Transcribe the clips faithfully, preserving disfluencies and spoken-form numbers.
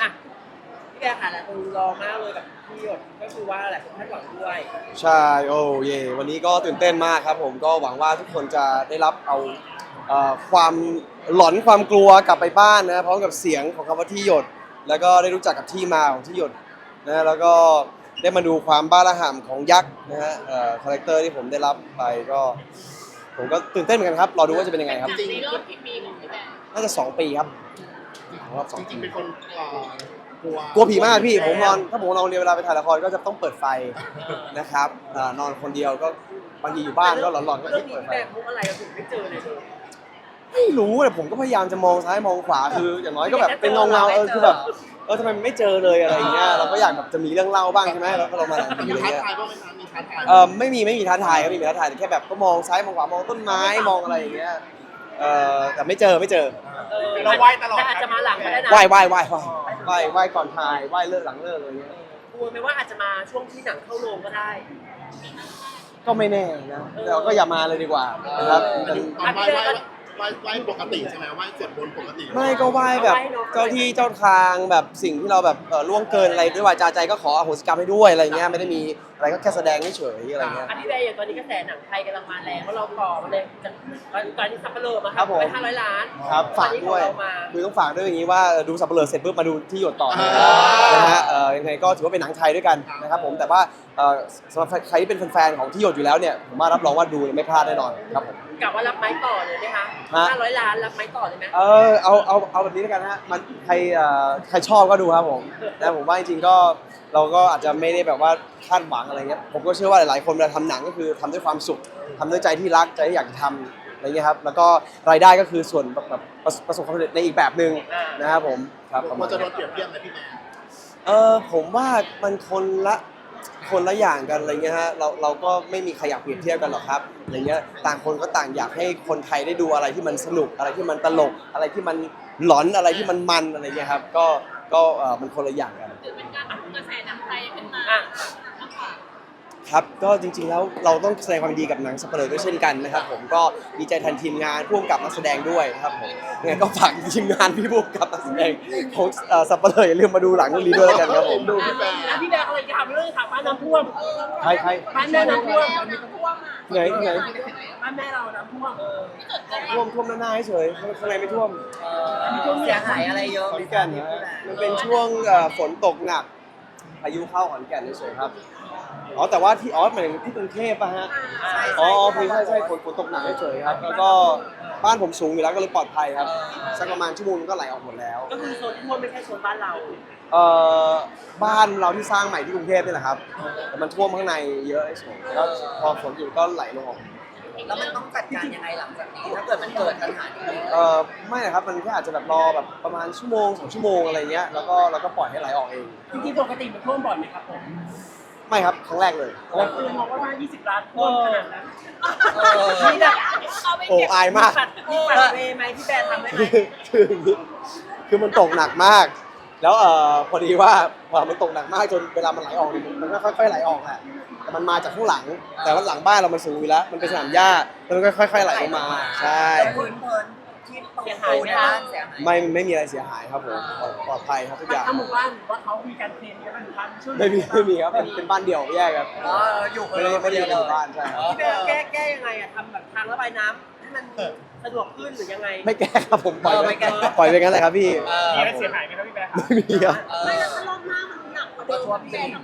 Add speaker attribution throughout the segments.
Speaker 1: อ่ะพี่แกค่ะหลายคนรอมากเลยกับพี่หยดก็คือว่าหลายคนคาดหวังด้วย
Speaker 2: ใช่โอ้เย่วันนี้ก็ตื่นเต้นมากครับผมก็หวังว่าทุกคนจะได้รับเอาเอ่อความหลอนความกลัวกลับไปบ้านนะพร้อมกับเสียงของคำว่าที่หยดแล้วก็ได้รู้จักกับที่มาของที่หยดนะแล้วก็ได้มาดูความบ้าระห่ำของยักษ์นะฮะเอ่อคาแรคเตอร์ที่ผมได้รับไปก็ผมก็ตื่นเต้นเหมือนกันครับรอดูว่าจะเป็นยังไงครับ
Speaker 3: จริง
Speaker 4: ในรอบกี่ปีของพี่แบงค์
Speaker 2: น่าจะสองปีครับรอบสอง
Speaker 3: ๆจ
Speaker 2: ปี
Speaker 3: ริงๆเป็นคนเอ่อกลัว
Speaker 2: กลัวผีมากพี่ผมนอนถ้าผมนอนเรียนเวลาไปถ่ายละครก็จะต้องเปิดไฟนะครับอ่านอนคนเดียวก็บางทีอยู่บ้านก็หลอนๆก็
Speaker 1: เรื่อง
Speaker 2: ที่
Speaker 1: นี้
Speaker 2: เปิด
Speaker 1: พี่
Speaker 2: ไฟ
Speaker 1: แบงค์มุกอะไรเราถึงไม่เจอเลยเลย
Speaker 2: ไม่รู้แต่ผมก็พยายามจะมองซ้ายมองขวาคืออย่างน้อยก็แบบเป็นเงาเงาๆเออคือแบบเออทำไมมันไม่เจอเลยอะไรอย่างเงี้ยเราก็อยากแบบจะมีเรื่องเล่าบ้างใช่ไหมแล้วก็เรามาหนังผี
Speaker 3: มี
Speaker 2: อะไร
Speaker 3: ท้า
Speaker 2: เงี้ย
Speaker 3: ทายบ้างไหมคะมีท้าทาย
Speaker 2: เออไม่มีไม่มีท้าทายครับไม่มีท้าทายแต่แค่แบบก็มองซ้ายมองขวามองต้นไม้มองอะไรอย่างเงี้ยเออแต่ไม่เจอไม่เจอ
Speaker 1: เออ
Speaker 3: เราไหว้ตลอด
Speaker 1: แต่อาจจะมาหลังก็ได้นะ
Speaker 2: ไหว้ไหว้ไหว้ไหว้ไหว้ไหว้ก่อนถ่ายไหว้เลิกหลังเลิกอะไรเงี้ย
Speaker 1: กลัวไหมว่าอาจจะมาช่วงที่หนังเข้าโรงก็ได้
Speaker 2: ก็ไม่แน่นะแต่ก็อย่ามาเลยดีกว่านะครับมัน
Speaker 3: ตอนไหว้ไหว้ไหว้ไหว้ปกติใช่ไหมไหว้สวดมนต์ปกติ
Speaker 2: ไม่ก็ไหว้แบบเจ้าที่เจ้าทางแบบสิ่งที่เราแบบเอ่อล่วงเกินอะไรด้วยวาจาใจก็ขออโหสิกรรมให้ด้วยอะไรเงี้ยไม่ได้มีอะไรก็แค่แสดงเฉยๆอะไรเงี้ย
Speaker 1: อันที่แบงค์อย่างตอนนี้กระแสหนังไทยกำลังมาแรงเพราะเราต่อมาเลยจากตอนนี้สับปะเลอมาค
Speaker 2: ครั
Speaker 1: รับบ
Speaker 2: ผม
Speaker 1: ไปห้าร้อยล้าน
Speaker 2: ครับฝากด้วย
Speaker 1: ตอนนี้ของเรามา
Speaker 2: คือต้องฝากด้วยอย่างนี้ว่าเอ่อดูสับเปลือเสร็จปุ๊บมาดูที่หยดต่อนะนะฮะเอ่อยังไงก็ถือว่าเป็นหนังไทยด้วยกันนะครับผมแต่ว่าเอ่อสำหรับใครที่เป็นแฟนๆของที่หยดอยู่แล้วเนี่ยผมว่ารับรองว่าดูไม่พลาดแน่นอนครับผม
Speaker 1: กลับว่ารับไม้ต่อเลยไหมคะ
Speaker 2: ฮะ
Speaker 1: ห้าร้อยล้านรับไม้ต่อเลยไหม
Speaker 2: เออเอาเอาเอาแบบนี้แล้วกันฮะมันใครเอ่อใครชอบก็ดูครับผมแต่ผมว่าจริงๆก็เราก็อาจจะไม่ได้แบบว่าคาดหวังอะไรเงี้ยผมก็เชื่อว่าหลายๆคนเวลาทำหนังก็คือทำด้วยความสุขทำด้วยใจที่รักใจที่อยากจะทำอะไรเงี้ยครับแล้วก็รายได้ก็คือส่วนแบบแบบประประสบความสำเร็จในอีกแบบหนึ่งนะครับผมครับประ
Speaker 3: มั
Speaker 2: มาณ
Speaker 3: นจะโด
Speaker 2: นี้
Speaker 3: นเปรียบเทียบไหมพี่แม่
Speaker 2: เออผมว่ามันคนละคนละอย่างกันอะไรเงี้ยฮะเราเราก็ไม่มีใครอยากเปรียบเทียบกันหรอกครับอะไรเงี้ยต่างคนก็ต่างอยากให้คนไทยได้ดูอะไรที่มันสนุกอะไรที่มันตลก อะไรที่มันหลอนอะไรที่มันมันอะไรเงี้ยครับก็ก็เออมันคนละอย่างกัน
Speaker 4: ถือเป็นการปรับกระแสหนังไทยขึ้นมา
Speaker 1: อ่ะ
Speaker 4: มากกว่า
Speaker 2: ครับก็จริงๆแล้วเราต้องแสดงความยินดีกับหนังสัปเหร่อด้วยเช่นกันนะครับผมก็ดีใจแทนทีมงานผู้กำกับนักแสดงด้วยนะครับผมยังไงก็ฝากทีมงานพี่ผู้กำกับนักแสดงของเอ่อสัปเหร่ออย่าลืมมาดูหลังเรื่องนี้ด้วยแล้วกันครับผม
Speaker 3: ดูพี่แม่
Speaker 1: อ่ะพี่แบงค์อะไรจะถามเรื่องถามบ้านน้ำท่วม
Speaker 2: ใครใคร
Speaker 1: บ้านแม่น้ำท่วม
Speaker 2: ไหนไหน
Speaker 1: บ้านแม่เราน้ำท่วมเออ
Speaker 2: ท่วมท่วมหน้าๆเฉยๆข้างในไม่ท่วม
Speaker 1: เสียหายอะไรเยอะ
Speaker 2: ขอนแก่นนะฮะมันเป็นช่วงเอ่อฝนตกหนักพายุเข้าขอนแก่นเฉยๆครับอ๋อแต่ว่าที่อ๋อหมายถึงที่กรุงเทพป่ะฮะอ๋อใช่ใช่ใช่ฝนฝนตกหนักเฉยๆครับแล้วก็บ้านผมสูงอยู่แล้วก็เลยปลอดภัยครับสักประมาณชั่วโมงนึงก็ไหลออกหมดแล้ว
Speaker 1: ก็คือโซนท่วมไม่ใช่โซนบ้านเรา
Speaker 2: เอ่อบ้านเราที่สร้างใหม่ที่กรุงเทพนี่แหละครับแต่มันท่วมข้างในเยอะเฉยๆแล้วพอฝนหยุดก็ไหลลงออก
Speaker 5: แล้วมันต้องจัดการยังไงหลังจากนี้ถ้าเกิดมันเกิดปัญหานี้
Speaker 2: เอ่อไม่นะครับมันแค่อาจจะแบบรอแบบประมาณชั่วโมงสองชั่วโมงอะไรเงี้ยแล้วก็แล้วก็ปล่อยให้ไหลออกเอง
Speaker 1: จริงๆปกติมันท่วมบ่อยไหมครับผม
Speaker 2: ไม่ครับครั้งแรกเลย
Speaker 1: แต่คือมองว่ายี่สิบล้านท่วมขนาดนั้น
Speaker 5: เออ
Speaker 1: นี่แบบ
Speaker 2: โอ้อายมาก
Speaker 1: ปัดมีปัดเวย์ไหมพี่แบร์ทำได้ไหม
Speaker 2: คือคือคือมันตกหนักมาก แล้วเอ่อพอดีว่าพอมันตกหนักมากจนเวลามันไหลออกเนี่ยมันก็ค่อยๆไหลออกแหละแต่มันมาจากข้างหลัง แต่ว่าหลังบ้านเรามันสูงอยู่แล้ว มันเป็นสนามหญ้าแล้วมันก็ค่อยๆไหลลงมาใช่
Speaker 5: แล้วพื้นเพลินที่ตรงปูนบ้านเสียหาย
Speaker 2: ไม่ไม่มีอะไรเสียหายครับผมปลอดปลอดภัยครับทุกอย่าง
Speaker 1: ทั้งหมู่บ้านหรือว่าเขามีการเทรนกันบ้างหรือบ้านช่วย
Speaker 2: ไม่มีไม่มีครับเป็นเป็นบ้านเดี่ยวแยกครับ
Speaker 5: อ๋ออยู่คน
Speaker 2: ไม่
Speaker 5: เดี
Speaker 2: ได้
Speaker 5: ยว
Speaker 2: ไม่ได้อยู่ในห
Speaker 5: เล
Speaker 2: มู่
Speaker 5: ย
Speaker 2: บ้านใช่ครับ
Speaker 1: พี่แบร์แก้แก้ยังไงอะทำแบบทางระบายน้ำให้มันสะดวกขึ้นหรือยังไง
Speaker 2: ไม่แก้ครับผมปล่อยไปปล่อยไปงั้นแหละครับพี่
Speaker 5: เออ
Speaker 1: มีอะไรเสียหายไหมครับพี่แบร์
Speaker 2: ไม่มีครับ
Speaker 5: เออไม่แล้วถ้ารอบหน้ามันหนักกว่าเดิมพี่แบงค์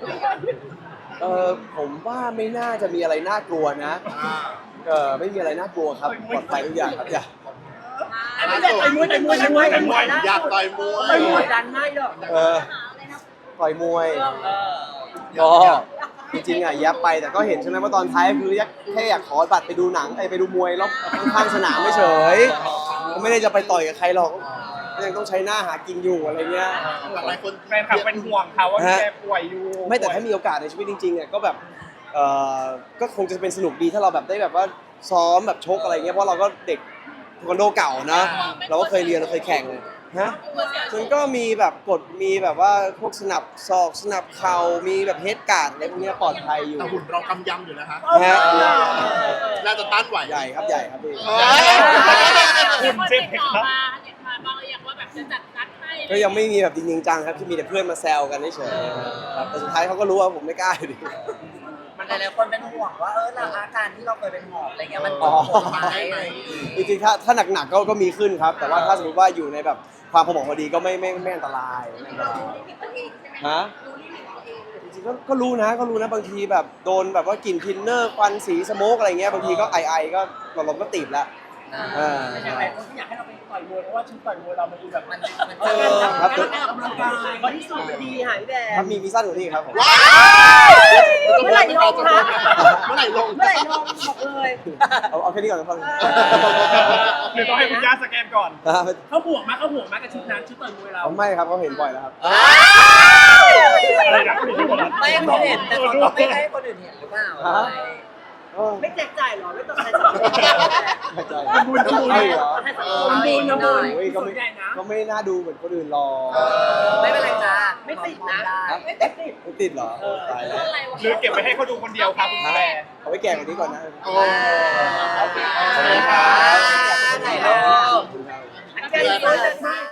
Speaker 2: เออผมว่าไม่น่าจะมีอะไรน่ากลัวนะ
Speaker 3: อ่า
Speaker 2: เออไม่มีอะไรน่ากลัวครับปลอดภัยทุกอย่างครับอย่า
Speaker 1: พี่แบร์ต่อยมวยต่อยมวยต่อยมวยต่อยมวย
Speaker 3: อยากต่อยมว
Speaker 1: ต่อย
Speaker 3: ย
Speaker 1: มวยดันไม่หรอก
Speaker 2: เออต่อยมวย
Speaker 1: เออ
Speaker 2: ก็จริงๆอ่ะแยบไปแต่ก็เห็นใช่ไหมว่าตอนท้ายคืออยากแค่อยากขอบัตรไปดูหนังไอ้ไปดูมวยรอบข้างๆสนามไม่เฉยก็ไม่ได้จะไปต่อยกับใครหรอกก็ยังต้องใช้หน้าหากินอยู่อะไรเงี้ย
Speaker 3: หลายคน
Speaker 6: แฟนคลับเป็นห่วงเขาว่าพี่แกป่วยอยู่
Speaker 2: ไม่แต่ถ้ามีโอกาสในชีวิตจริงๆอ่ะก็แบบเออก็คงจะเป็นสนุกดีถ้าเราแบบได้แบบว่าซ้อมแบบชกอะไรเงี้ยเพราะเราก็เด็กเทควันโดเก่านะเราก็เคยเรียนเราเคยแข่งฮะมันก็มีแบบกฎมีแบบว่าพวกสนับศอกสนับเข่ามีแบบเฮดการ์ดอะไรพวกเนี้ยปลอดภัยอยู่
Speaker 3: แต่หุ่นเรากำยำอยู่นะฮะ
Speaker 2: ฮะ
Speaker 3: น่าจะต้านไหว
Speaker 2: ใหญ่ครับใหญ่ครับพี่
Speaker 3: เออ
Speaker 4: คุณเจ็บติดต่อมาติดมาบ้างหรือยังว่าแบบจะจัดนัดให้
Speaker 2: ก็ยังไม่มีแบบจริงๆจังครับที่มีแต่เพื่อนมาแซวกันเฉยๆครับแต่สุดท้ายเขาก็รู้ว่าผมไม่กล้าอยู่ดี
Speaker 5: มันหลายๆคนเป็นห่วงว่าเออเราอาการที่เราเคยเป็นหอบอะไรเงี้ยมัน
Speaker 2: อ๋
Speaker 5: ส่
Speaker 2: อ
Speaker 5: งผลไหมอะไรอย่างงี้
Speaker 2: จริงๆถ้าถ้าหนักๆก็ก็มีขึ้นครับ แต่ว่าถ้าสมมติว่าอยู่ในแบบความพอเหมาะพอดีก็ไม่ไม่ไม่อันตรายไม่อันตรายฮะจริงๆก็ก็รู้นะก็รู้นะบางทีแบบโดนแบบว่ากลิ่นทินเนอร์ควันสีสโมกอะไรเงี้ยบางทีก็ไอไอก็หลอดลมก็ติดแล้วอ่า
Speaker 1: แต่อย่างไรคนที่อยากให้เราไปต่อยมวยเพราะว่าชุดต่อยมวยเรามันดูแบบ
Speaker 5: มันมัน
Speaker 1: เอ
Speaker 5: เจ
Speaker 1: อ
Speaker 5: อ
Speaker 2: ครับ
Speaker 1: การออกกำลังกายบอดี้สูทมันดีหายแดง
Speaker 2: ครับมีมีสั้นกว่านี้ครับผม
Speaker 1: เมื่อไหร่ลงคะ
Speaker 3: เมื่อไหร่ลง
Speaker 1: เมื่อไหร่ลงบอกเลย
Speaker 2: เอาเอาแค่นี้ก่อนนะครับ
Speaker 6: หรือต้องให้คุณย่าสแกนก่อน
Speaker 2: นะฮะ
Speaker 1: เขาห่วงมากเขาห่วงมากกับชุดนั้นชุดต่อยมวยเรา
Speaker 2: ไม่ครับเขาเห็นบ่อยแล้วครับ
Speaker 6: อะไรนะมีที่คนละ
Speaker 5: ไม่ให้คนเห็นแต่เขาก็ไม่ให้คนอื่นเห็นหรือเปล่า
Speaker 2: ฮะ เออ
Speaker 1: ไม่แจกจ่ายหรอไม่ต้องใช้สังคม
Speaker 2: ไม่ใจ
Speaker 1: ทำบุญทำบุญ
Speaker 2: ไม่เหรอ
Speaker 1: ให้สังคมทำบุญทำบุญ
Speaker 2: โอ้ยก็
Speaker 1: ส่ว
Speaker 2: ไม่
Speaker 1: นใหญ่นะ
Speaker 2: ก็ไม่น่าดูเหมือนคนอื่นหรอก
Speaker 5: ไม่เป็นไรจ้า
Speaker 1: ไม่ติดนะ
Speaker 5: ได้
Speaker 1: ไม่ติดติด
Speaker 2: ไม่ติดเหรอตายแล้ว
Speaker 4: อะไรวะ
Speaker 6: หรือเก็บไว้ให้เขาดูคนเดียวครับคุณแม่
Speaker 2: เอาไว้แก่กว่านี้ก่อนนะ
Speaker 3: โอ้
Speaker 2: ขอบคุณครับ